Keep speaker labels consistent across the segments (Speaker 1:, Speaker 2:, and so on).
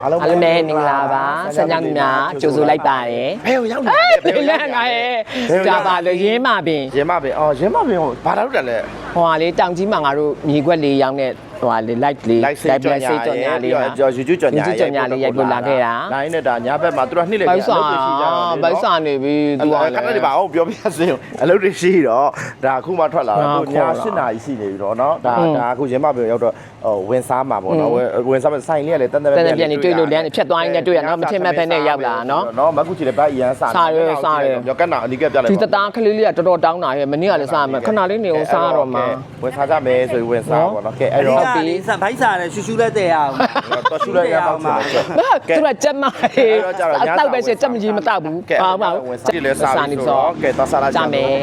Speaker 1: အားလုံးပဲမင်္ဂလာပါဆက်ကြောင်းများကြိုဆိုလိုက်ပါတယ်
Speaker 2: ဘယ်ရောက်နေလဲ
Speaker 1: ဘယ်လဲငါရဲ့ကြာပါလို့ရင်းမပင်
Speaker 2: ရင်းမပင်အော်ရင်းမပင်ကိုဘာလို့တက်လဲ
Speaker 1: ဟိုဟာလေးတောင်ကြီးမှာငါတို့မြေခွက်လေးရောင်းတဲ့ဟိုဟာလေး light လေး
Speaker 2: light ဆေးကြော်ညာလေးပါကျော် YouTube ကြော်ညာ
Speaker 1: လေးရိုက်ပို့လာခဲ့တာ
Speaker 2: လိုင်းနဲ့ဒါညာဘက်မှာသူတို့နှိမ့်လေ
Speaker 1: ပိုက်စာနေပြီသူက
Speaker 2: ခဏလေးပါအောင်ပြောပြစေအလုပ်တွေရှိတော့ဒါအခုမှထွက်လာတော့သူညာ8နာရီရှိနေပြီတော့เนาะဒါအခုရင်းမပင်ရောက်တော့ဝင်စားမှာပေါ့နော်ဝင်စားမှာဆိုင်လေးကလည်းတန်တန်
Speaker 1: ပြန်နေတွေ့လို့လမ်းဖြတ်သွားရင်လည်းတွေ့ရနော်မထင်မဲ့ဖက်နဲ့ရောက်လာနော်
Speaker 2: မကူချီလည်းဗတ်အရန်စားရောကက်နာအနီးကပြလိုက်
Speaker 1: ဒီတသားကလေးလေးကတော်တော်တောင်းတာရဲ့မနေ့ကလည်းစားမှာခဏလေးနေအောင်စားတော့မှာ
Speaker 2: ဝင်စားကြမယ်ဆိုရင်ဝင်စားပေါ့နော်ကဲအဲ့တော့
Speaker 3: ဘိုက်စားတယ်ရှူရှူလည်းတဲ့ရအောင်
Speaker 2: တော့ရှူလည်းရအောင်မှာ
Speaker 1: သူကကြက်မတောက်ပဲချက်မကြီးမတောက်ဘူးပါပါ
Speaker 2: ဝင်စားလည်းစားနေဆိုကဲတော့စားလာကြမယ်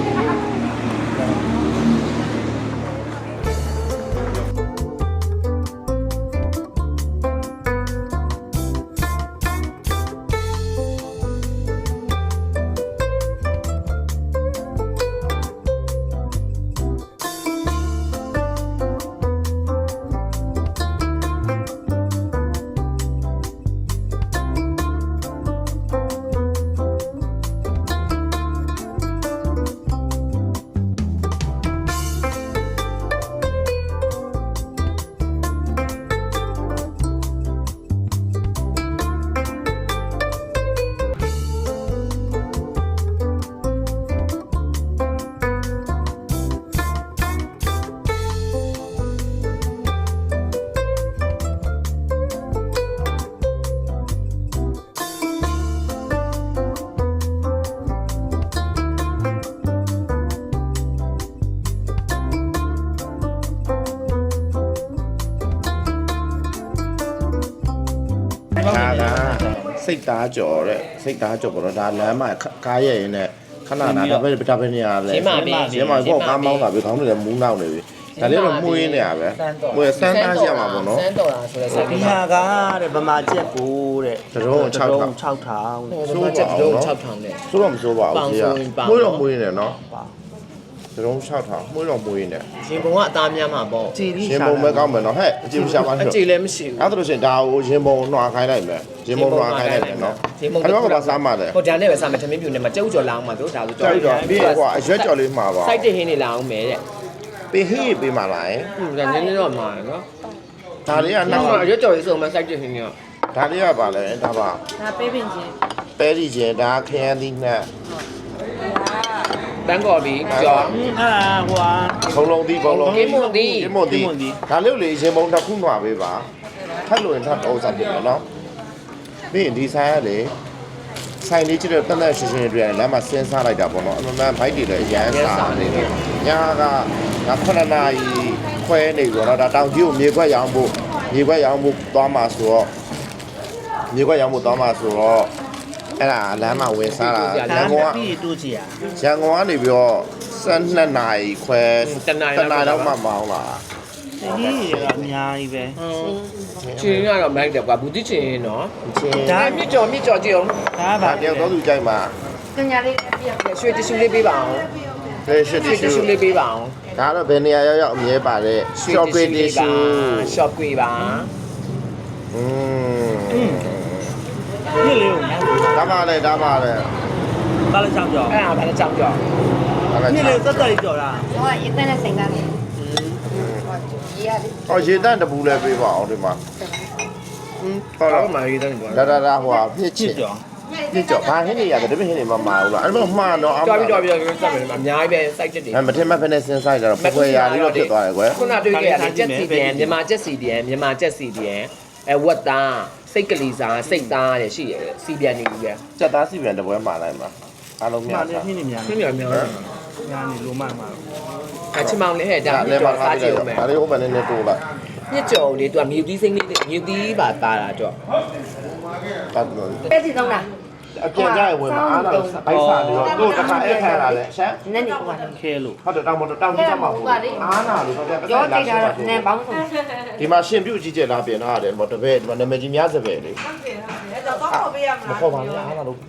Speaker 2: စိတ်သားကြော်တဲ့စိတ်သားကြော်ပေါ့နော်ဒါလမ်းမှာကားရဲ့ရင်နဲ့ခဏနာဒါပဲနေရလဲရင်းမကောကားမောင်းတာပဲခေါင်းတွေလည်းမူးနောက်နေပြီဒါလေးတော့မှုရင်းနေရပဲမှုရစမ်းသားရမှာပေါ့နော်
Speaker 1: စမ်းတော်တာဆိုလဲ
Speaker 3: ဒီဟာကတဲ့ဗမာကျက်ကိုတဲ့
Speaker 2: တုံး6000
Speaker 1: ဆိုချက်တုံး6000နဲ့
Speaker 2: ဆိုတော့မဆိုးပါဘူးကြီးမှုတော့မှုရင်းနေနော်တုံး6000မှုတော့မှုရင်းနေ
Speaker 1: ရှင်ဘုံကအသားများမှာပေါ့
Speaker 2: ရှင်ဘုံပဲကောင်းမယ်နော်ဟဲ့အကြည့်မရှာပါနဲ့
Speaker 1: အကြည့်လည်းမရှိဘူး
Speaker 2: အဲ့ဒါလို့ရှင်ဒါကိုရှင်ဘုံနှွာခိုင်းလိုက်မယ်ရှင်ဘုံနှွာခိုင်းလိုက်မယ်နော်အဲ့တော့ကစားမှတယ်
Speaker 1: ဟိုဒါနဲ့ပဲစားမယ်ထမင်းပြူနဲ့မကျုပ်ကြော်လောင်းမှာတို့ဒါဆို
Speaker 2: ကြော်ပြီးဟိုအရွက်ကြော်လေးမှာပါ
Speaker 1: စိုက်တဲ့ဟင်းနေလာအောင်မယ်တဲ့
Speaker 2: ပေးဟင်းပေးမှာလား
Speaker 1: ဒါနည်းနည်းတော့မှာနော်
Speaker 2: ဒါလေးကနောက်
Speaker 1: အရွက်ကြော်လေးဆိုမှစိုက်တဲ့ဟင်းက
Speaker 2: ဒါလေးကပါလဲဒါပါ
Speaker 4: ဒါပဲပင်ချင်း
Speaker 2: ပဲဒီချင်းဒါခရမ်းသီးနဲ့
Speaker 1: တန်းကော်ပြီးကြော်
Speaker 3: ဟို
Speaker 2: ဘုံလုံးသီးဘုံလုံး
Speaker 1: ကင်းမွန်သီး
Speaker 2: ဒါလေးလေရှင်ဘုံတစ်ခုနှွာပေးပါထပ်လို့ရင်ထပ်တော့စားပြမယ်နော်ပြီးရင်ဒီဆိုင်ကလေဆိုင်လေးကျတော့တက်တက်ရှင်းရှင်းတွေ့ရတယ်လမ်းမှာစဉ်းစားလိုက်တာပေါ့နော်အမှန်ဘိုက်တွေလည်းရမ်းစားနေတယ်ညာက9နာရီခွဲနေပြီတော့ဒါတောင်ကြီးကိုမြေခွက်ရောင်းဖို့သွားမှာဆိုတော့မြေခွက်ရောင်းဖို့သွားမှာဆိုတော့အဲ့ဒါလမ်းမှာဝင်စားတာ
Speaker 3: ရန်ကုန်ကပြီးတူးချီ
Speaker 2: ရန်ကုန်ကနေပြီးတော့12နာရီခွဲ
Speaker 1: တနာရီ
Speaker 2: တော့မှမောင်းလာ
Speaker 3: ဒီကအများကြီးပဲ
Speaker 1: ချင်းကတော့မိုက်တယ်ကွာဘူးတိချင်းနော်ဒါမြစ်ကြော်ကြည့်အောင်
Speaker 3: ဒါပါ
Speaker 2: တယောက်တော့သူကြိုက်မှာ
Speaker 4: ပညာလေးပြည့်
Speaker 1: ရွှေတ िश ူလေးပေးပါအောင်
Speaker 2: ရွှေတ
Speaker 1: िश ူလေးပေးပါအောင်
Speaker 2: ဒါတော့ဘယ်နေရာရောက်အမြဲပါတဲ့ shop တွေ
Speaker 1: shop တွေပါ
Speaker 3: ဒီလေ
Speaker 2: ဒါပါလေ
Speaker 3: ဘာလဲချောင်းကြော
Speaker 1: အဲ့ဒါဘာလဲချောင်းကြော
Speaker 3: ဒီလေသက်သက်ကြော်တာ
Speaker 4: ဟောရေတန်းနဲ့စိန်သားလေး
Speaker 2: ရေတန်းတပူလည်းပေးပါအောင်ဒီမှာ
Speaker 1: ဟုတ်လားမရေတန်းတပူ
Speaker 2: ဒါဟိုပြည့်ချစ်ကြောဘာဟင်းနေရတယ်ဒီဟင်းနေမမှာဘူးလားအဲ့လိုမှားတော့
Speaker 1: တော်ပြီစက်မယ်အများကြီးပဲစိုက်ချက်တွေ
Speaker 2: မထင်မှတ်ဖက်နဲ့စဉ်းစားကြတော့ဖွယ်ရာလေးတော့ဖြစ်သွားတယ်ကွယ်
Speaker 1: ခုနတွေ့ခဲ့ရတယ်ချက်စီပြန်မြန်မာချက်စီပြန်ဝက်သားစိတ်ကလေးစားစိတ်သားရရှိရတယ်စီပြန်နေပြီပဲ
Speaker 2: ချက်သားစီပြန်တပွဲမှာလိုက်မှာအားလုံးများ
Speaker 3: တာဖြစ်နေများ
Speaker 1: များနေ
Speaker 3: လိုမှမှာ
Speaker 1: အချမောင်လေးဟဲ့ဒါလည်းပါစားကြည့်ဦးမယ်
Speaker 2: ဒါလေးဟိုမှာနည်းနည်းတိုးလိုက်
Speaker 1: ညစ်ကြော်လေးသူကမြူသီးစိမ့်လေးမြူသီးပါတာတော့
Speaker 4: ပဲစီသုံးတာ
Speaker 2: အပြန်ကြရင်ဝင်မှာအားလားဘိုက်စားနေတော့တို့တစ်ခါအဲ့ခံလာတယ်ရှမ်း
Speaker 4: နည်းနည်းဟိုက
Speaker 3: ခဲလို့
Speaker 2: ဟုတ်တယ်တောင်ကြီးချက်မှာဟုတ်အားနာလို့တော့
Speaker 4: ရောတိတ်တာတော့နည်းပေါင်းဆုံး
Speaker 2: ဒီမှာရှင်ပြုတ်ကြီးကျက်လာပြင်ထားတယ်ဟိုတပည့်ဒီမှာနာမည်ကြီးများစပယ်လေ
Speaker 4: ဟုတ်တယ်အဲ့တော့ခေါ်ပေးရမှာ
Speaker 2: မခေါ်ပါနဲ့အားနာလို့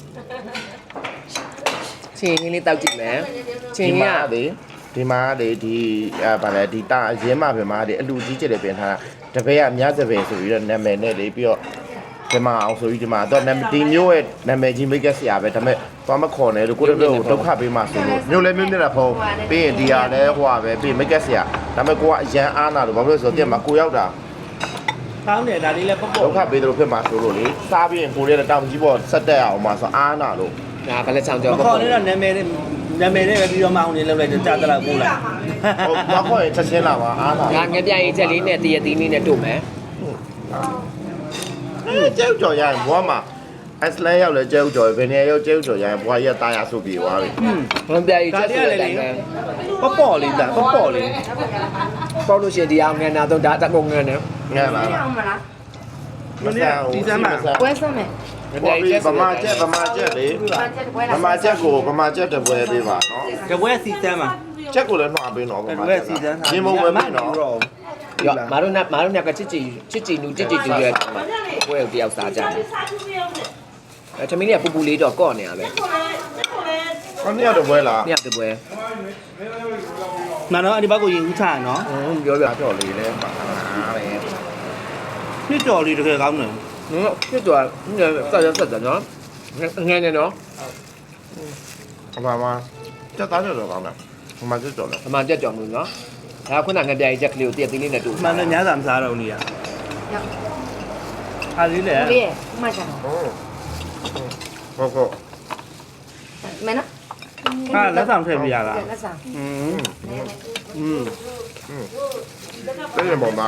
Speaker 1: ချင်းလေးတောက်ကြည့်မယ်ချင်းက
Speaker 2: ဒီမှာလေဒီဗာလဲဒီတာအရင်မှပဲမှာဒီအလူကြီးကျက်တယ်ပြင်ထားတာတပည့်ကများစပယ်ဆိုပြီးတော့နာမည်နဲ့လေပြီးတော့ဒီမှာအောင်ဆိုပြီးဒီမှာတော့ဒီမျိုးရဲ့နာမည်ကြီးမိတ်ကက်ဆရာပဲဒါပေမဲ့သွားမခေါ်နဲ့လို့ကိုယ့်တို့ဒုက္ခပေးမှဆိုလို့မျိုးလဲမျိုးနေတာဖုံးပြီးရင်ဒီဟာလဲဟိုဟာပဲပြီးမိတ်ကက်ဆရာဒါပေမဲ့ကိုကအရန်အားနာလို့ဘာလို့လဲဆိုတော့တင်မှာကိုရောက်တာ
Speaker 3: ကောင်းတယ်ဒါလေးလည်းပေါ့
Speaker 2: ဒုက္ခပေးတယ်လို့ဖြစ်မှာဆိုလို့လေစားပြီးရင်ကိုရဲ့တောင်ကြီးပေါ်ဆက်တက်အောင်မှာဆိုအားနာလို့
Speaker 1: ဒါဗလက်ချောင်းကြော
Speaker 3: မခေါ်နေတော့နာမည်နဲ့ပဲပြီးတော့မအောင်နေလောက်လိုက်ကြာတလောက်ပို့လိုက်
Speaker 2: ဟုတ်မခေါ်ရင်ချက်ချင်းလာပါအားနာ
Speaker 1: ဒါငပြရေးချက်လေးနဲ့တရသီးလေးနဲ့တို့မယ်
Speaker 2: ကျဲကြော်ရရင်ဘွားမှာအစလန်ရောက်လဲကျဲကြော်ဘယ်နေရောက်ကျဲကြော်ရရင်ဘွားရက်သားရဆုပ်ပြေသွားပြီ
Speaker 1: ငပြရေးချက်ဆိုတဲ့အတိုင်းပဲ
Speaker 3: ပေါ့လေးလားပေါ့လေး
Speaker 1: ပေါ့လို့ရှိရင်ဒီအောင်ငန်းနာတော့ဒါတကုံငန်းနဲ့
Speaker 2: ငဲ့လား
Speaker 4: အောင်မလား
Speaker 2: မစားဘူးဒီစမ်းမှာ
Speaker 4: ပွဲစမ်းမယ်
Speaker 1: ငပြရေးချက်
Speaker 2: ဗမာချက်လေ
Speaker 4: ပွဲ
Speaker 2: ဗမာချက်ကိုဗမာချက်တပွဲပေးပါနော်
Speaker 3: တပွဲစီစမ်းမှာ
Speaker 2: ချက်ကိုလည်းနှွားပေးတော့ဗ
Speaker 3: တ
Speaker 2: မာ
Speaker 3: ပွဲ
Speaker 2: ချက်
Speaker 3: စီစမ်း
Speaker 2: ရေမုံပဲပေးနော်
Speaker 1: ရောမာတို့နဲ့ကချစ်ချီနူချစ်ချီတူရဲ့ဘွဲကိုတယောက်စားကြတယ်အဲသမီးလေးကပူပူလေးတော့ကော့နေရပဲ
Speaker 2: ခဏရတော့ပွဲလား
Speaker 1: ညတပွဲ
Speaker 3: မနော်အဒီဘက်ကိုရင်ဦးချရနော်
Speaker 1: ပြောပြ
Speaker 2: ကြော်လေးလဲပါပဲ
Speaker 3: နှစ်ကျော်လေးတကယ်ကောင်းတယ်
Speaker 1: ဖြစ်သွားဆက်တယ်နော်ငန်းနေနော်
Speaker 2: ဗမာချက်သားကြော်တော့ကောင်းတယ်ဗမာချက်ကြော်လဲ
Speaker 1: အမှန်တက်ကြောင်လို့နော်ဒါခုနငပြရေးချက်ကလေးကိုတရသီးလေးနဲ့တို့
Speaker 3: မှန်တယ်ညစာမစားတော့နေရအားလေးလေ
Speaker 4: လေးမှချာ
Speaker 2: ဟုတ်
Speaker 4: မနော်
Speaker 3: ဟာလက်ဆောင်ထည့်ပြရလား
Speaker 4: လက်ဆောင်
Speaker 2: တဲ့ရင်ပေါ်မှာ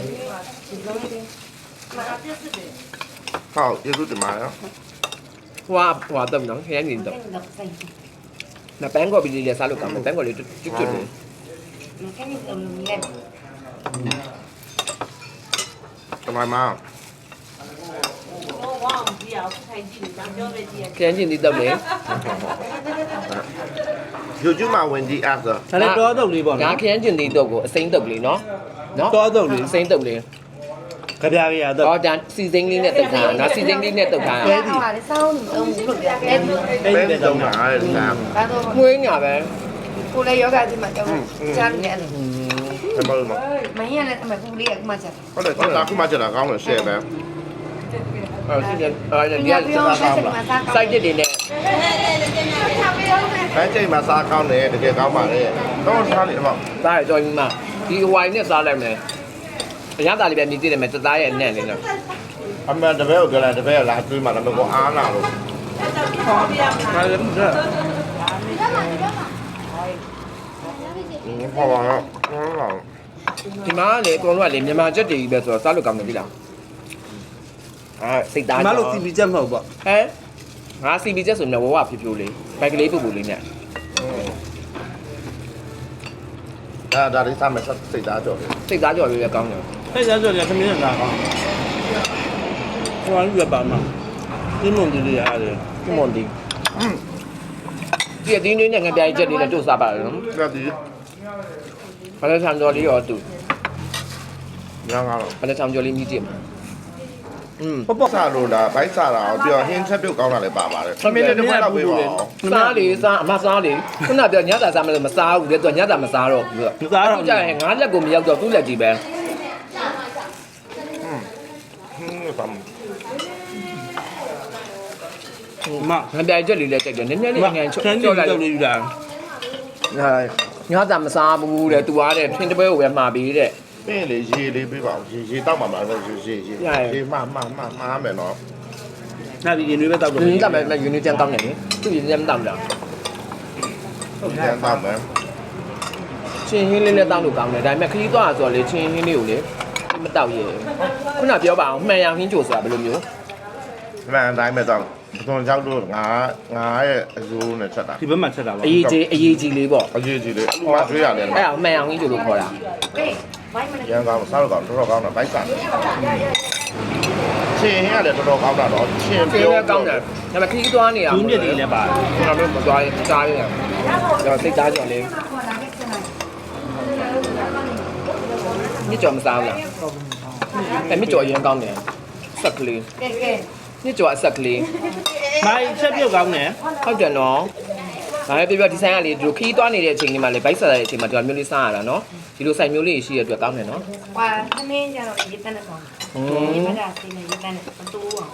Speaker 2: ဟောကျေးဇူးတင်ပါတယ်
Speaker 1: ဟွာတော့နော်ခရမ်းနေတော့
Speaker 4: ဆိုင်
Speaker 1: နပန်းကော်ပီလေးစားလို့ကောင်းတယ်ပန်းကော်လေးကျွတ်ကျွတ်လေး
Speaker 4: မကန်နေတော့မြင်
Speaker 2: တမမ
Speaker 1: ခရမ်းချင်းဒီတော့လေ
Speaker 2: ယူကျူမှာဝင်ဒီအားဆို
Speaker 3: ဒါလည်းတောတုပ်လေးပေါ့
Speaker 1: ဒါ
Speaker 3: နော်
Speaker 1: ခရမ်းချင်းဒီတော့ကိုအစိမ့်တုပ်လေးနော်နော်
Speaker 3: တောတုပ်လေး
Speaker 1: အစိမ့်တုပ်လေး
Speaker 3: ကြပြရတော့
Speaker 1: ဟောဒါစီစိမ့်လေးနဲ့တုပ်ထားနော်စီစိမ့်လေးနဲ့တုပ်ထား
Speaker 4: တယ်ဟာလေစောင်းအောင်လို့ပြတယ်
Speaker 3: အဲ့
Speaker 2: ပဲ
Speaker 3: ဒီတော့
Speaker 2: တော့မှာအဲ့ဒါ
Speaker 4: ဘာတော့
Speaker 1: ငွေးညာပဲ
Speaker 4: ကိုလည်းယောဂဒီမှာကြောက်ချမ်းနေတယ်
Speaker 2: ဘယ်မှာလဲ
Speaker 4: မင်းရလည်းအမပူလေးကမှချာ
Speaker 2: ဟုတ်တယ်ဒါခုမှချက်တာကောင်းတယ်ရှယ်ပဲ
Speaker 1: အဲ့ဒီဒီကစိုက်တစ်တွေနဲ့
Speaker 2: ဘန်းချိန်မှာစားကောင်းတယ်တကယ်ကောင်းပါလေတော့စားလိမ့်အောင်
Speaker 1: စားရကြော်ကြီးမှဒီဝိုင်နဲ့စားလိုက်မယ်အရသာလေးပဲမြည်ကြည့်တယ်မယ်တသားရဲ့အနံ့လေးနဲ့
Speaker 2: အမှန်တပည့်ကိုကြလားတပည့်ကလာတွေးမှလည်းမကောအားနာလို့
Speaker 3: ဒါလည်းမစား
Speaker 2: ဟောပါတော့ဟော
Speaker 1: ဒီမှာလေအကုန်လုံးကလေမြန်မာချက်တွေကြီးပဲဆိုတော့စားလို့ကောင်းတယ်ပြီလားအဲစိတ်သား
Speaker 3: မလို့စီပီချက်မဟုတ်ပေါ့
Speaker 1: ဟဲငါစီပီချက်ဆိုရင်ဝဝဖြူဖြူလေးဘက်ကလေးပူပူလေးနဲ့
Speaker 2: ဒါလေးစားမယ်စိတ်သားကြော်တယ်
Speaker 1: စိတ်သားကြော်လေးလည်းကောင်းတယ်
Speaker 3: အဲ့ဒါဆိုရင်သမီးနဲ့လာကောင်းဟိုကလည်းပါမှာဒီမုံဒီလေးရတယ်
Speaker 1: ဒီမွန်ဒီဒီအတင်းလေးနဲ့ငပြိုင်ချက်လေးနဲ့တို့စားပါလားနော်
Speaker 2: ဒါဒီ
Speaker 1: ဘာလဲဆန်ကြော်လေးရောတူ
Speaker 2: ညောင်းကတော့
Speaker 1: ဘာလဲဆန်ကြော်လေးမြည်ကြည့်မှာ
Speaker 2: ပေါ့စားလို့လားဘိုက်စားတာအောင်ပြီးတော့ဟင်းချက်ပြုတ်ကောင်းတာလည်းပါပါတယ်သမီးလေးတစ်ခွက်တော့ပေးပါအောင်
Speaker 1: စားလေစားအမစားလေခုနပြောညတာစားမလို့မစားဘူးလေသူကညတာမစားတော့ဘူး
Speaker 3: မစားတော့
Speaker 1: ကြာရင်ငါးလက်ကိုမရောက်တော့သူ့လက်ကြီးပဲ
Speaker 2: ဟင်းပါမ
Speaker 3: မ
Speaker 1: ငပြိုင်ချက်လေးလည်းကြိုက်တယ်နည်းနည်းလေးငန်ချော့
Speaker 3: ချမ်း
Speaker 1: ချော့
Speaker 3: ကြော်
Speaker 1: လိုက်
Speaker 3: လေးယူတာ
Speaker 1: ညတာမစားဘူးတဲ့သူကတဲ့ထင်းတပွဲကိုပဲမှာပြီးတဲ့
Speaker 2: ပင်းလေရေလေးပေးပါအောင်ရေတောက်ပါမှာလို့ရေမမယ်နော်
Speaker 3: နာပြီးရင်တွေပဲတောက်တော့
Speaker 1: ဒီနေ့ကမှယူနီတန်ကောင်းတယ်လေသူယူနီတန်တောင်းတာ
Speaker 2: ဟုတ်တယ်တောက်မယ်
Speaker 1: ချင်းဟင်းလေးလည်းတောင်းလို့ကောင်းတယ်ဒါပေမဲ့ခရီးသွားဆိုတော့လေချင်းဟင်းလေးကိုလေမတောက်ရဲခုနပြောပါအောင်မှန်ရဟင်းချိုဆိုတာဘယ်လိုမျိုး
Speaker 2: မှန်တိုင်းမဲ့တော့ဘုံကြောက်လို့ငါရဲ့အယိုးနဲ့ချက်တာ
Speaker 3: ဒီဘက်မှာချက်တာပါ
Speaker 1: အရေးကြီးလေးပေါ့
Speaker 2: အရေးကြီးလေအလူမတွေးရတယ်
Speaker 1: အဲ့ဒါမှန်ရဟင်းချိုလို့ခေါ်တာ
Speaker 4: ဟေးဘိုင်းမနဲ့
Speaker 2: ရန်ကောင်းစားလို့ကောင်းတော်ကောင်းတာဘိုက်စားချင်းဟင်းရတယ်တော်ကောင်းတာတော့ချင်း
Speaker 1: ချင်း
Speaker 2: ပြော
Speaker 1: လည်းကောင်းတယ်ဒါပေမဲ့ခရီးသွားနေရ
Speaker 3: ကျူးမြစ်တွေလည်းပါတယ်
Speaker 1: ကျွန်တော်တို့မသွားရင်စားရအောင်ကျွန်တော်စိတ်သားကြော်လေးမြစ်ကြော်မစားဘူးလားအဲ့မြစ်ကြော်အရင်ကောင်းတယ်ဆက်ကလေး
Speaker 4: ကဲကဲ
Speaker 1: မြစ်ကြော်အဆက်ကလေး
Speaker 3: မိုင်းချက်ပြုတ်ကောင်းတယ်
Speaker 1: ဟုတ်တယ်နော်ဒါလည်းပြပြဒီဆိုင်ကလေဒီလိုခီးသွားနေတဲ့အချိန်လေးမှာလေဘိုက်ဆက်တဲ့အချိန်မှာဒီလိုမျိုးလေးစားရတာနော်ဒီလိုဆိုင်မျိုးလေးရှိရတဲ့အတွက်ကောင်းတယ်နော်
Speaker 4: ဟွာသမင်းကြတော့ရေးတန်းနဲ့ဆောင်ဒီမှာဒါစီနေရေးတန်းနဲ့မတူအောင်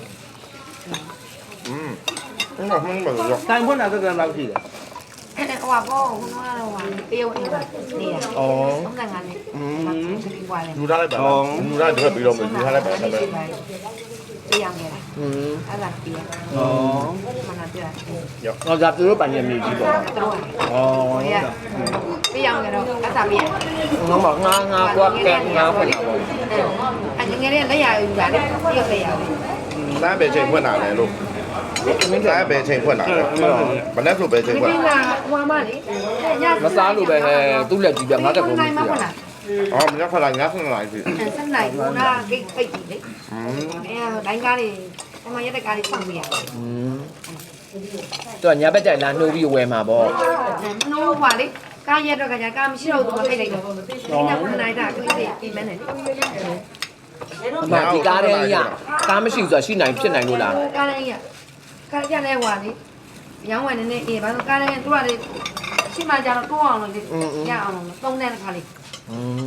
Speaker 2: အဲ့တော့မှန်းပါလို့
Speaker 3: တိုင်ဖွင့်တာကလောက်ရှိတယ်
Speaker 4: ဟွာပေါ့ဟိုကတော့ဟွာတေးဝအိမ်နေတာ
Speaker 1: อ๋อ
Speaker 4: 35နဲ့ဒီကွာလေ
Speaker 2: ယူထားလိုက်ပါယူထားတော့ပြီးတော့ယူထားလိုက်ပါတော့
Speaker 4: တရားငယ်လား
Speaker 1: อืม
Speaker 4: အဲ့ဒါတရား
Speaker 3: ဩ
Speaker 4: မနာပြတယ်
Speaker 1: อ๋อဒါသူတို့ပိုင်ရမြေကြီးပေါ့
Speaker 4: တို့
Speaker 1: อ๋อ
Speaker 4: တရားငယ်တော့အသာပြရ
Speaker 1: น้องบอกงาကွာแกงาဖွင့်တာပေါ့
Speaker 4: အဲ့ငယ်လေးလက်ရယူတာလေတရုတ်လက်ရလေ
Speaker 2: စားပဲချိန်ဖွင့်တာလေလို့စားပဲချိန်ဖွင့်တာလေမနေ့ဆိုပဲချိန်
Speaker 4: ဒီ
Speaker 2: ဖွင့်
Speaker 4: ကဟွာမလေးည
Speaker 1: မစားလို့ပဲဟဲ့သူ့လက်ကြီးပြငါတက်ကုန်ပြီ
Speaker 4: နိုင်မှာလား
Speaker 2: အော်မနေ့ခလာငါဆန်လိုက်ပြီ
Speaker 4: ဆက်နိုင်ဘူးနာဂိတ်ပိတ်ပြီလေအဲတိုင်းကားလေးအမရက်တဲ့ကားလေးဖွင့်ပြရတယ်
Speaker 1: อืมသူကညာဘက်ကြိုင်လာနှိုးပြီးဝယ်မှာပေါ့
Speaker 4: မနိုးဟွာလေကားရက်တော့ကကြာကားမရှိတော့ဘူးမပိတ်လိုက်တော့ဒီနောက်ခဏတာကိစ္စပြင်မယ်နဲ့လေ
Speaker 1: အမဒီကားတဲ့ကြီးကကားမရှိဘူးဆိုတာရှိနိုင်ဖြစ်နိုင်လို့လား
Speaker 4: ကားလေးကကားကြတဲ့ဟွာလေရောင်းဝယ်နေနေအေးဘာလို့ကားလေးသူကလေရှိမှကြတော့တိုးအောင်လို့ရအောင်လို့သုံးတဲ့ခါလေး
Speaker 1: อืม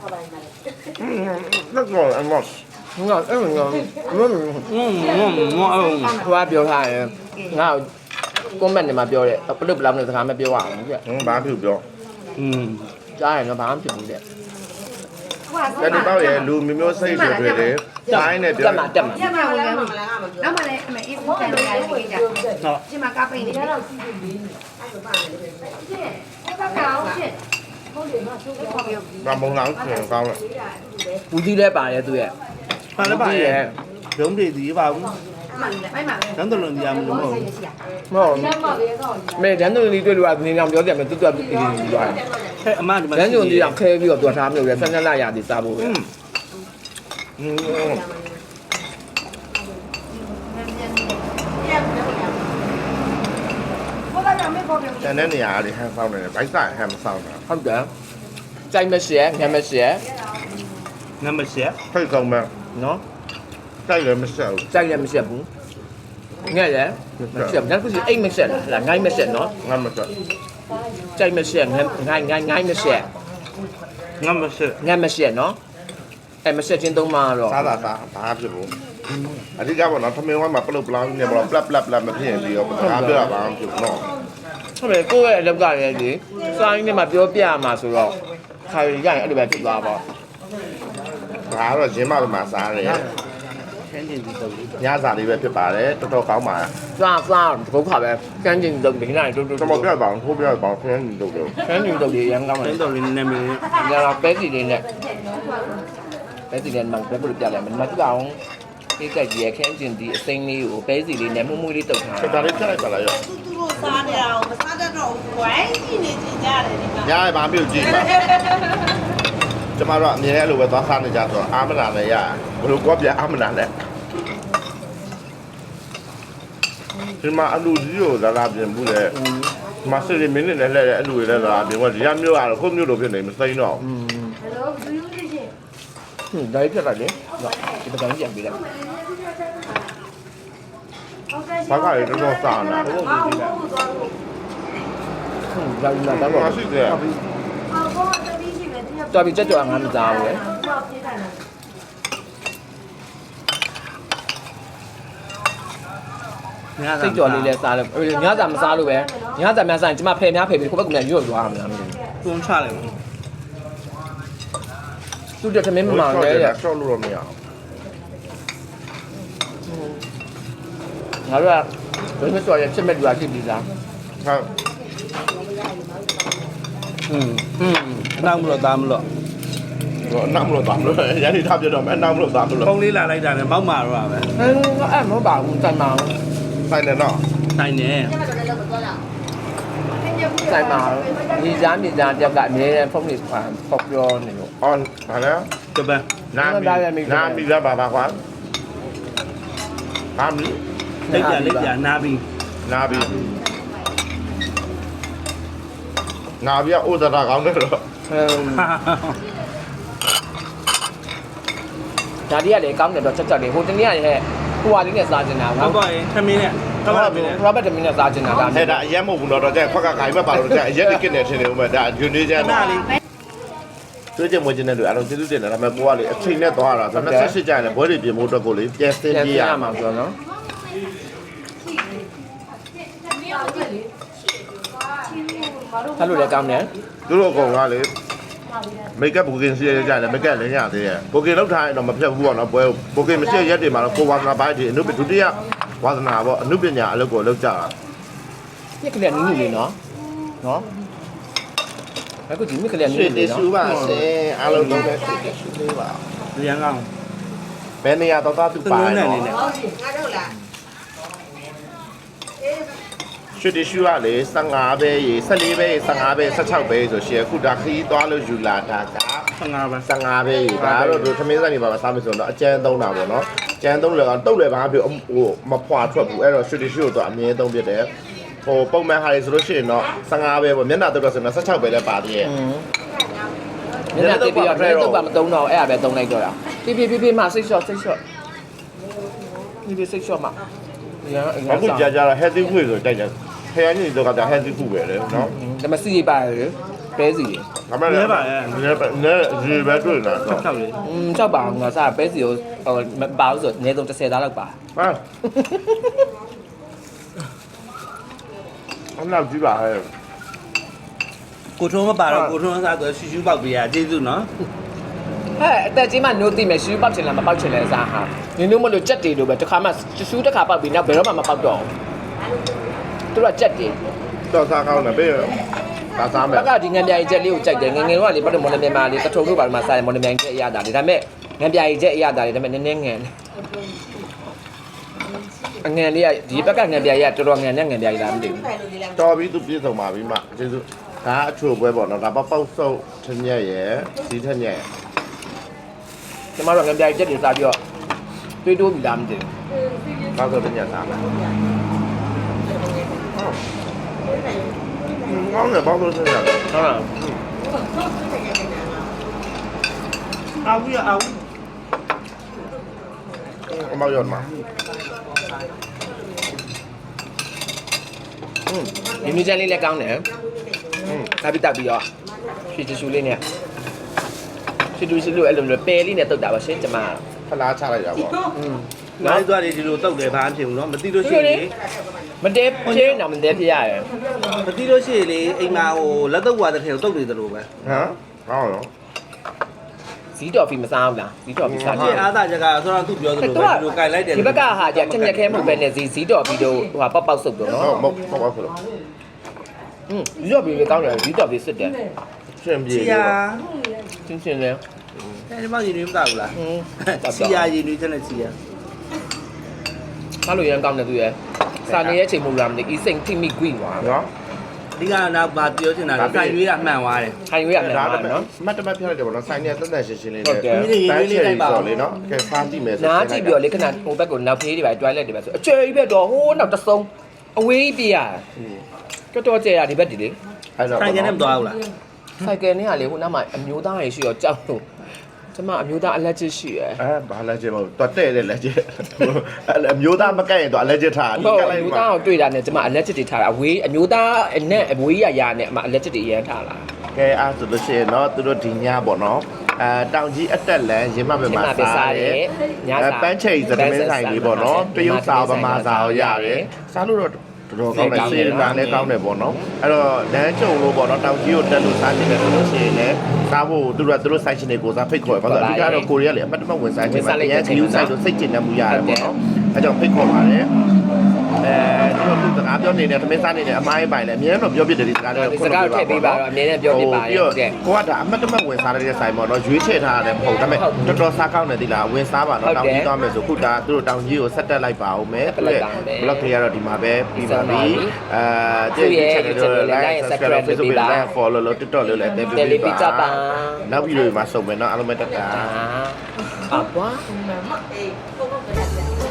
Speaker 2: လက်ကောအမော
Speaker 1: ငါအဲ့ငါဟိုကပြောထားတယ်ငါကွန်မန့်တွေမှာပြောတယ်ပလုတ်ပလောက်နဲ့စကားမပြောရအောင်ကြ
Speaker 2: ဘာဖြစ်ပြော
Speaker 1: ကြားရင်တော့ဘာမှဖြစ်ဘူးတဲ့
Speaker 2: တတိပေါ့ရဲ့လူမျိုးမျိုးစိတ်တွေတွေတိုင်းနဲ့ပြော
Speaker 1: တက်မှာတက်မှာ
Speaker 4: ညမဝင်ရဘူးနောက်မှလည်းအမေအေးဘူးတန်နေရတယ်ကြဒီမှာကားပိတ်နေတယ်ရှင်းဘာကောင်းရှင်းဟုတ်တယ်နော်သူ့ကိုပြော
Speaker 2: ဘာမုံလောင်းခင်ကောင်းလဲ
Speaker 1: ဘူးကြီးလဲပါတယ်သူရဲ့
Speaker 3: ဘာလဲပါရဲ့ရုံးတွေဒီပါဘူး
Speaker 4: မှန်တယ်မိုက်မှာပဲ
Speaker 3: တန်းတလုံးကြီးမလို့မဟုတ်
Speaker 1: ဟုတ်မဲဒန်တို့လေးတွေ့လို့ကနေအောင်ပြောတယ်မယ်တူတူတူတူတူသွား
Speaker 3: ဟဲ့အမဒီမှာ
Speaker 1: ဒန်တို့လေးအောင်ခဲပြီးတော့ပြောထားမျိုးလဲ12လရာဒီစားဖို့ပဲ
Speaker 2: တန်တဲ့နေရာတွေဟန်ဆောင်နေတယ်ဘိုက်ဆိုင်ဟန်မဆောင်တာ
Speaker 1: ဟုတ်တယ်ကြိုက်မရှိငမ်းမရှိ
Speaker 3: နံပါတ်7
Speaker 2: ဖိတ်ဆုံးမဲ့
Speaker 1: နော်
Speaker 2: တိုက်လည်းမဆက်ဘူး
Speaker 1: ကြိုက်လည်းမရှိဘူးငဲ့လည်းမရှိဘူးဒါကစီအိတ်မရှိလားငိုင်းမရှိနော်
Speaker 2: ငါမဆက်
Speaker 1: ကြိုက်မရှိငိုင်းမရှိ
Speaker 3: နံပါတ်7
Speaker 1: ငမ်းမရှိနော်အဲ့မရှိချင်းသုံးမှာတော့
Speaker 2: စားတာစားဘာဖြစ်ဘူးအဓိကပေါ့နော်ထမင်းဝိုင်းမှာပလုတ်ပလောင်းနေပေါ့ပလပ်ပလပ်ပလပ်မဖြစ်ရင်ပြီးတော့ဘာပြောတာဘာမှမဖြစ်ဘူးနော်
Speaker 1: ဟုတ်တယ်ကိုယ့်ရဲ့အလောက်ကလည်းဒီစာရင်းထဲမှာပြောပြရမှာဆိုတော့ခါရီရရင်အဲ့လိုပဲဖြစ်သွားပါ
Speaker 2: ဒါကတော့ရင်းမမှာစားတယ်
Speaker 3: ခန်းကျင်ဒီတော့
Speaker 2: ညစာလေးပဲဖြစ်ပါတယ်တော်တော်ကောင်းပါ
Speaker 1: စားဘုခါပဲကန်းကျင်တုတ်ဒီနေ့တို့
Speaker 2: ကျွန်တော်ပြပါအောင်ထိုးပြပါအောင်ခင်းနေတော့တယ်
Speaker 1: ကန်းကျင်တုတ်တွေရမ်းကောင်းတ
Speaker 3: တ
Speaker 1: ယ်
Speaker 3: န်းတော်လေးနာမည်
Speaker 1: ဒါတော့ပဲစီလေးနဲ့ပဲစီလေးမှပဲပြပြလိုက်မယ်မတူအောင်ဒီကကြီးရခန်းကျင်ဒီအစိမ်းလေးကိုပဲစီလေးနဲ့မှုမှုလေးတုတ်ထား
Speaker 2: ချက်တာလေးဖြတ်လိုက်ပါလားရော
Speaker 5: သူတို့စားနေအောင်မစားတတ်တော့ဘူးဝိုင်းကြည့်နေကြတယ်ဒီမှာ
Speaker 2: ညရဘာပြုတ်ကြည့်ပါကျမတို့အမြဲအဲ့လိုပဲသွားစားနေကြဆိုတော့အာမနာလည်းရဘယ်လိုကောပြအာမနာလဲဒီမှာအလူကြီးကိုလာလာပြင်ဘူးလေမဆယ်မင်းနဲ့လည်းအလူတွေလည်းလာပြင်ကဒီကမျိုးကတော့ခုမျိုးလိုဖြစ်နေမစိမ့်တော့
Speaker 1: ဒါပြတ်လိုက်လေဒီပကံကြံပေးလိုက်
Speaker 2: ဘာကလည်းတော်တော်စားနာ
Speaker 1: ဒါဒါတော့
Speaker 2: ဘာရှိတယ်
Speaker 1: တော်ပြီကြက်ကြော်ငါမစားဘူးလေ စိတ်ကြော်လေးလဲစားလို့ညစာမစားလို့ပဲညစာများစားရင်ကျမဖယ်များဖယ်ပြီးကိုယ့်ဘက်ကလည်းရွတ်သွားမှာလားမသိ
Speaker 3: တွန်းချလိုက်ဘူး
Speaker 1: ဘူးသူတမင်းမမောင်လဲတဲ့
Speaker 2: ဆော့လို့တော့မရအောင်
Speaker 1: ငါတို့ကဘယ်မှာကြော်ရဖြစ်မဲ့လူကဖြစ်ပြီးသား
Speaker 2: ဟုတ်
Speaker 3: နောက်မလို့သားမလို့
Speaker 2: တော့နောက်မလို့သားမလို့ရန်ဒီထားပြတော့မယ်နောက်မလို့သားမလို့
Speaker 3: ဖုန်းလေးလာလိုက်တာနဲ့မောက်မာတော့ပဲ
Speaker 1: အဲ့မဟုတ်ပါဘူးတိုင်ပါ
Speaker 2: ဆိုင်တယ်နော်
Speaker 3: တိုင်းနေ
Speaker 1: တိုင်ပါညီစားတယောက်ကအမြဲတမ်းဖုန်းလေးဖောက်ပြောနေလို့
Speaker 2: အော်ဟာလဲ
Speaker 3: ကပန်း
Speaker 2: နာမီလာပါပါကွာနာမီ
Speaker 3: လက်ပြနာပြီး
Speaker 2: နာဘီနာဘီကဥဒရာကောင်းတယ်တော့
Speaker 1: ဒါဒီကလည်းကောင်းတယ်တော့ချက်ချက်လေးဟိုတနေ့ကလည်းဟိုဟာလေးနဲ့စားချင်တာ
Speaker 3: ဟုတ်ပါရင်ထမင်းနဲ့ဟုတ်ပါပြီ
Speaker 1: ခရဘတ်တမင်းနဲ့စားချင်တာဒါ
Speaker 2: အဲ့ဒါအရက်မဟုတ်ဘူးတော့တဲ့ခွက်ကခိုင်မဲ့ပါလို့တဲ့အရက်တစ်ကစ်နဲ့ထင်နေဦးမယ်ဒါဂျူနီကျန်
Speaker 3: နားလေး
Speaker 2: တွေ့ကြမွေးခြင်းနဲ့လူအားလုံးကျေးဇူးတင်တယ်ဒါပေမဲ့ကိုကလေအချိန်နဲ့သွားတာဆိုတော့28ကျရင်လည်းဘွဲတွေပြင်ဖို့အတွက်ကိုလေပြန်စင်းပြရမှာ
Speaker 1: ဆိုတော့နော်အဲ့လိုလည်းကောင်းတယ်
Speaker 2: သူတို့ကောင်ကလေမိတ်ကပ်ဘူကင်စီရကြတယ်မိတ်ကပ်လည်းရသေးတယ်ဘူကင်လောက်ထားရင်တော့မဖြတ်ဘူးပေါ့နော်ဘွဲဘူကင်မရှိရက်တွေမှာတော့ကိုဝါသနာပိုင်းဒီအနုပဒုတိယဝါသနာပေါ့အနုပညာအလုပ်ကိုလုပ်ကြတာ
Speaker 1: မြက်ကလေးနူးနူးလေးနော်အခုဒီမြက်ကလေးနူးနူး
Speaker 2: တ
Speaker 1: လေး
Speaker 2: စ်
Speaker 1: နော်
Speaker 2: ရှူပါဆင်းအားလုံးလုံးပဲရှူလေးပါ
Speaker 3: ရန်ကောင်း
Speaker 2: ဘယ်နေရာတော့သူပါနော်
Speaker 5: ငါတို့လား
Speaker 2: ရှူတရှူကလေ15ပဲရေ14ပဲရေ15ပဲ16ပဲဆိုရှယ်ခုဒါခီးသွားလို့ယူလာတာက
Speaker 3: 15ပဲ
Speaker 2: 15ပဲရေဒါတော့သူသမင်းဆိုင်နေပါစားမယ်ဆိုတော့အကျန်းသုံးတာပေါ့နော်ကျန်းသုံးလည်းကတုတ်လည်းဘာဖြစ်ဟိုမဖွာထွက်ဘူးအဲ့တော့ရှူတရှူတော့အမြဲသုံးပြတယ်ဟိုပုံမှန်ဟာလေဆိုလို့ရှိရင်တော့15ပဲပေါ့မျက်နှာတုတ်တော့ဆိုတော့16ပဲလည်းပါသေးရဲ့
Speaker 1: မျက်နှာတိပ်ပြီးတော့တော့ပါမသုံးတော့အဲ့ဒါပဲသုံးလိုက်တော့တာပြမစိတ်လျှော့ပြစိတ်လျှော့မှာရန်အငါ
Speaker 2: အခုကြာကြာတော့ healthy food ဆိုတိုက်တယ်ဖယားကြီးတော့က healthy food ပဲလေနော်
Speaker 1: ဒါမှစီရပါတယ်ပဲစီရ
Speaker 2: ဒါမှလည်းနဲရေပဲတွေ့နေတာ
Speaker 3: ၆လေး
Speaker 1: ကြောက်ပါငါစားပဲစီကိုဟိုမပါဘူးဆိုအနည်းဆုံး30သားလောက်ပါ
Speaker 2: ဟာအနောက်ကြည့်ပါဟဲ့
Speaker 3: ကိုထုံးမပါတော့ကိုထုံးစားဆိုရှူရှူပေါက်ပေးရကျေးဇူးနော်
Speaker 1: ဟဲ့အသက်ကြီးမှနိုးသိမယ်ရှူးပေါက်ချင်လားမပေါက်ချင်လဲစားဟာနင်တို့မလို့ကြက်တေလို့ပဲတစ်ခါမှရှူးတစ်ခါပေါက်ပြီးနောက်ဘယ်တော့မှမပေါက်တော့သူကကြက်တေ
Speaker 2: တော့စားကောင်းတယ်ပြေဒါစားမယ်
Speaker 1: ဘက်ကဒီငံပြာကြီးချက်လေးကိုကြိုက်တယ်ငငယ်တော့လေဘာလို့မော်လမြိုင်မှာလေတထုံတို့ဘာလို့မှစားတယ်မော်လမြိုင်ချက်အရတာလေဒါပေမဲ့ငံပြာကြီးချက်အရတာလေဒါပေမဲ့နည်းနည်းငန်အငန်လေးကဒီဘက်ကငံပြာကြီးကတော်တော်ငန်နဲ့ငံပြာကြီးလားမသိဘူး
Speaker 2: တော်ပြီသူပြည့်စုံပါပြီမကျေးဇူးဒါအချိုပွဲပေါ့နော်ဒါပေါက်ဆုပ်ထညက်ရယ်စီးထညက်
Speaker 1: ကျမတို့ငံပြာကြီးချက်တွေစားပြီးတော့တွေးတိုးပြီလားမသိဘူး
Speaker 2: ပေါက်ဆုပ်ထညက်စားမယ်ကောင်းတယ်ပေါက်ဆုပ်ထညက်
Speaker 1: ဟုတ်လား
Speaker 3: အာဝီအာဝီ
Speaker 2: အမောက်ရောမှာ
Speaker 1: ဒီမြူချန်လေးလည်းကောင်းတယ်စားပြီးတက်ပြီးတော့ရွှေချူလေးနဲ့ရွှေတူရှိလို့အဲ့လိုမျိုးပယ်လေးနဲ့တုတ်တာပါရှင်းကျမ
Speaker 2: ဖလားချလိုက်တာပေါ့
Speaker 3: နိုင်သွားတယ်ဒီလိုတောက်တယ်ဘာမှဖြစ်ဘူးနော်မသိလို့ရှိရင်လေ
Speaker 1: မတဲဖြင်းတော့မတဲပြရတယ်
Speaker 3: မသိလို့ရှိရင်လေအိမ်မှာဟိုလက်တော့ဝါတဲ့ထဲကိုတုတ်နေတယ်လို့ပဲ
Speaker 2: ဟမ်ကောင်းရော
Speaker 1: ဇီးတော်ဖီမစားဘူးလားဇီးတော်ဖီစား
Speaker 3: ဒီအားသာချက်ကဆိုတော့သူပြောသလိုပဲဒီလိုကြိုင်လိုက်တယ်
Speaker 1: ဒီဘက်ကဟာကြချက်ချက်ခဲမဟုတ်ပဲနဲ့ဇီးတော်ဖီတို့ဟိုပေါက်ပေါက်ဆုပ်တော့နော်
Speaker 2: မဟုတ်ပါဘူး
Speaker 1: ဇီးတော်ဖီလည်းကောင်းတယ်ဇီးတော်ဖီစစ်တယ်
Speaker 2: ရှင်ပြေ
Speaker 3: စီယာ
Speaker 1: ချင်းချင်းလေး
Speaker 3: အဲဒီမှာရင်းနေမကဘူးလားစီယာရင်းနေချက်နဲ့စီယာ
Speaker 1: စားလို့ရမ်းကောင်းတယ်သူရဲ့စားနေရဲ့ချိန်မဟုတ်လားမသိအီစိန်ထိမိကွိွာ
Speaker 2: နော်
Speaker 3: ဒီကတော့ဘာပြောချင်တာလဲဆိုင်ရွေးတာမှန်သွားတယ်
Speaker 1: ခိုင်ရွေးရတယ်နော်
Speaker 2: မတ်တမတ်ပြလိုက်တယ်ပေါ့နော်ဆိုင်နေတက်တက်ရှင်းရှင်းလေး
Speaker 1: ဟုတ်တယ်
Speaker 2: တိုင်းချယ်ရီဆိုလေနော်ကဲစားကြည့်မယ်ဆို
Speaker 1: နားကြည့်ပြီးတော့လေခဏဟိုဘက်ကိုနောက်ဖေးတွေပဲ toilet တွေပဲဆိုအကျယ်ကြီးပဲတော့ဟိုးနောက်တဆုံအဝေးပြရတော်တော်ကျယ်ရဒီဘက်ဒီလေ
Speaker 2: အဲ့တော့
Speaker 3: ဆိုင်ကနေမသွားဘူးလား
Speaker 1: ဆိုင်ကယ်နဲ့ကလေဟိုနောက်မှာအမျိုးသားတွေရှိတော့ကြောက်လို့ကျမအမျိုးသားအလက်ချစ်ရှိရယ်
Speaker 2: ဘာလက်ကျဲမဟုတ်တော်တဲ့လက်ကျဲအမျိုးသားမကတ်ရင်တော့အလက်ကျထား
Speaker 1: ဟုတ်အမျိုးသားကိုတွေ့တာနဲ့ကျမအလက်ချစ်တွေထားတာအဝေးအမျိုးသားနဲ့အဝေးရနဲ့အမအလက်ချစ်တွေရမ်းထားလာ
Speaker 2: ကဲအားဆိုလို့ရှိရင်တော့သူတို့ဒီညပေါ့နော်တောင်ကြီးအတက်လန်ရင်မပဲမှာစားတယ်ပန်းချယ်စတမင်းဆိုင်လေးပေါ့နော်တရုတ်စာဗမာစာရောရတယ်စားလို့တော့တော်ကောင်းတယ်စေတနာလည်းကောင်းတယ်ပေါ့နော်အဲ့တော့လမ်းကြုံလို့ပေါ့နော်တောင်ကြီးကိုတက်လို့စားကြည့်တယ်ဆိုလို့ရှိရင်လည်းစားဖို့သူတို့ဆိုင်ရှင်တွေကိုစားဖိတ်ခေါ်ပါဆိုတော့အဓိကတော့ကိုရီးယားလေအမှတ်တမဲ့ဝင်စားခြင်းမှာတရားကြီးဆိုင်လို့စိတ်ကျဉ်တတ်မှုရတယ်ပေါ့နော်အဲ့ကြောင့်ဖိတ်ခေါ်ပါတယ်သူတို့စကားပြောနေတဲ့သမင်းစားနေတဲ့အမိုင်းပိုင်လည်းအများတော့ပြောပြတယ်ဒီစကားတွေ
Speaker 1: ဒီစကားကိုထည့်ပေးပါတော့အမြဲတမ်းပြောပြပါရဲ့ဟုတ်ကဲ့
Speaker 2: ကိုကဒါအမှတ်တမဲ့ဝင်စားတဲ့ဆိုင်ပေါ့နော်ရွေးချယ်ထားရတယ်မဟုတ်ဒါပေမဲ့တော်တော်စားကောင်းတယ်ဒီလားဝင်စားပါတော့တောင်ကြီးသွားမယ်ဆိုခုဒါသူတို့တောင်ကြီးကိုဆက်တက်လိုက်ပါဦးမယ်ဘလော့ခေကတော့ဒီမှာပဲပြီးပါပြီကျေးဇူးချက်တွေ like subscribe Facebook like follow လို့ TikTok လို့လည်းတက်ပေးပါနောက်ဗီဒီယိုမှာစုံမယ်နော်အားလုံးပဲတက်တာ
Speaker 1: အာပွား
Speaker 5: အေးပုံပုံက